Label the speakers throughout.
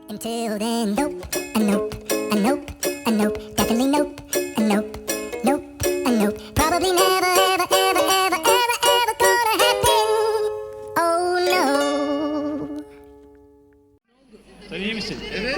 Speaker 1: Until then, nope, a nope, a nope, a nope, definitely nope, a nope, nope, a nope. Probably never, ever, ever, ever, ever, ever gonna happen. Oh no.
Speaker 2: Sen iyi misin? Evet.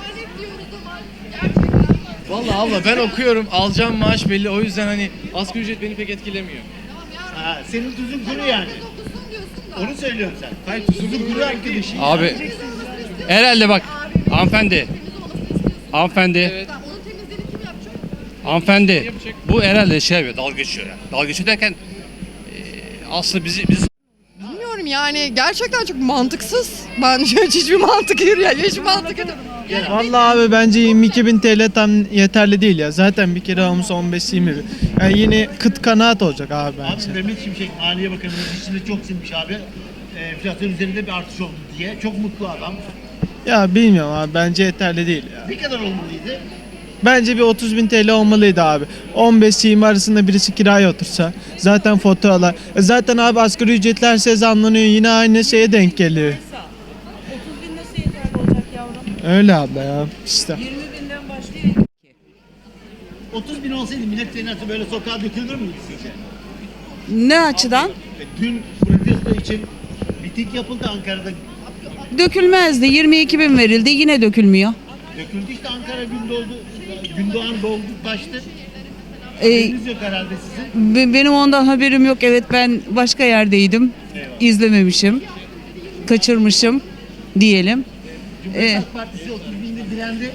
Speaker 2: Vallahi abla ben okuyorum, alacağım maaş belli. O yüzden hani asgari ücret beni pek etkilemiyor.
Speaker 3: Ha, senin tuzun kuru yani. Onu söylüyorum sen. Hayır tuzun kuru arkadaşım.
Speaker 4: Abi herhalde bak hanımefendi. Hanımefendi.
Speaker 2: Evet.
Speaker 4: Hanımefendi. Bu herhalde şey yapıyor, dalga geçiyor yani. Dalga geçiyor derken aslında biz
Speaker 5: Bilmiyorum yani gerçekten çok mantıksız. Ben hiçbir mantık yürüyor. Hiç mantık yok.
Speaker 6: Vallahi abi bence 22.000 TL tam yeterli değil ya. Zaten bir kere almış 15-20 bin. Yani yine kıt kanaat olacak abi bence.
Speaker 3: Abi Mehmet Şimşek Maliye Bakanımız içinde çok sinmiş abi. Enflasyon üzerinde bir artış oldu diye. Çok mutlu adam.
Speaker 6: Ya bilmiyorum abi bence yeterli değil ya.
Speaker 3: Ne kadar olmalıydı?
Speaker 6: Bence bir 30.000 TL olmalıydı abi. 15-20 arasında birisi kiraya otursa. Zaten faturalar. Zaten abi asgari ücretler size zamlanıyor. Yine aynı şeye denk geliyor.
Speaker 7: 30.000 nasıl yeterli olacak yavrum?
Speaker 6: Öyle abla ya işte.
Speaker 7: 20.000'den başlıyor.
Speaker 3: 30 bin olsaydı millet senası böyle sokağa dökülür müydü sizce?
Speaker 7: Ne açıdan?
Speaker 3: Dün protesto için miting yapıldı Ankara'da.
Speaker 7: Dökülmezdi. 22.000 verildi. Yine dökülmüyor.
Speaker 3: Döküldü işte Ankara Gündoğan doldu taştı.
Speaker 7: Ee,
Speaker 3: Haberiniz yok herhalde sizin.
Speaker 7: benim ondan haberim yok. Evet ben başka yerdeydim. İzlememişim. Kaçırmışım diyelim.
Speaker 3: Cumhuriyet Halk Partisi 30 bindir direndi.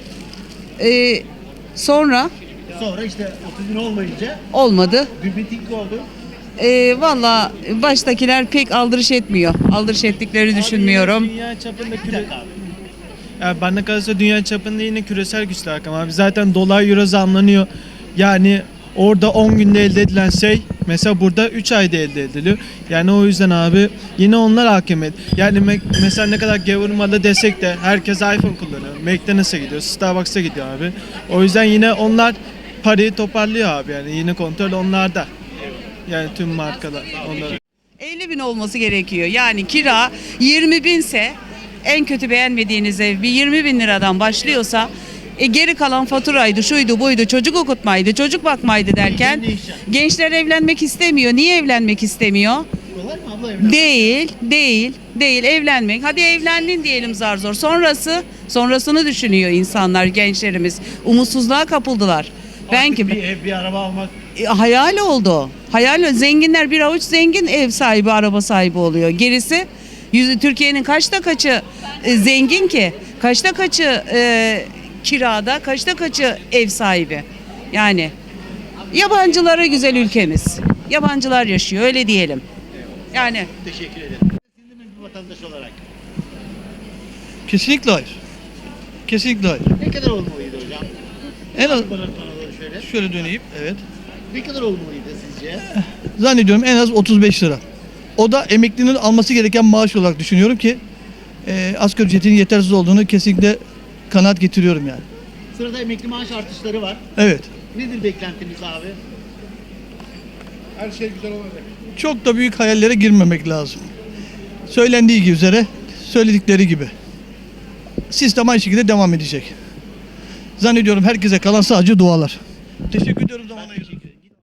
Speaker 7: Sonra
Speaker 3: Sonra işte 30 bin olmayınca
Speaker 7: olmadı.
Speaker 3: bir miting oldu.
Speaker 7: Valla baştakiler pek aldırış etmiyor. Aldırış ettiklerini düşünmüyorum.
Speaker 6: Dünya çapında
Speaker 3: Bir dakika abi.
Speaker 6: Ya bana kalırsa dünya çapında yine küresel güçler rakam abi. Zaten dolar euro zamlanıyor. Yani orada 10 günde elde edilen şey mesela burada 3 ayda elde ediliyor. Yani o yüzden abi yine onlar hakimiyet. Yani mesela ne kadar gevurmalı desek de herkes iPhone kullanıyor. McDonald's'a gidiyor, Starbucks'a gidiyor abi. O yüzden yine onlar parayı toparlıyor abi yani yine kontrol onlarda. Yani tüm markalar onlara.
Speaker 7: 50.000 olması gerekiyor. Yani kira 20.000'se en kötü beğenmediğiniz ev bir 20.000 liradan başlıyorsa geri kalan faturaydı, şuydu, buydu, çocuk okutmaydı, çocuk bakmaydı derken gençler evlenmek istemiyor. Niye evlenmek istemiyor?
Speaker 3: Kolay mı abla evlenmek?
Speaker 7: Değil evlenmek. Hadi evlendin diyelim zar zor. Sonrasını düşünüyor insanlar, gençlerimiz. Umutsuzluğa kapıldılar. Ben
Speaker 3: Artık
Speaker 7: gibi.
Speaker 3: bir ev, bir araba almak.
Speaker 7: Hayal oldu. Hayal, zenginler bir avuç zengin ev sahibi, araba sahibi oluyor. Gerisi Türkiye'nin kaçta kaçı zengin ki? Kaçta kaçı kirada, kaçta kaçı ev sahibi? Yani yabancılara güzel ülkemiz. Yabancılar yaşıyor öyle diyelim. Yani
Speaker 3: Teşekkür ederim. Siz de mi bir vatandaş olarak?
Speaker 8: Kesinlikle hayır. Kesinlikle hayır.
Speaker 3: Ne kadar olmalıydı hocam?
Speaker 8: En az
Speaker 3: Bana doğru şöyle.
Speaker 8: şöyle döneyim. Evet.
Speaker 3: Ne kadar olmalıydı sizce?
Speaker 8: Zannediyorum en az 35 lira. O da emeklinin alması gereken maaş olarak düşünüyorum ki asgari ücretin yetersiz olduğunu kesinlikle kanaat getiriyorum yani.
Speaker 3: Sırada emekli maaş artışları var.
Speaker 8: Evet.
Speaker 3: Nedir beklentiniz abi?
Speaker 8: Çok da büyük hayallere girmemek lazım. Söylendiği gibi üzere, söyledikleri gibi. Sistem aynı şekilde devam edecek. Zannediyorum herkese kalan sadece dualar. Teşekkür ediyorum zaman ayırdığınız için.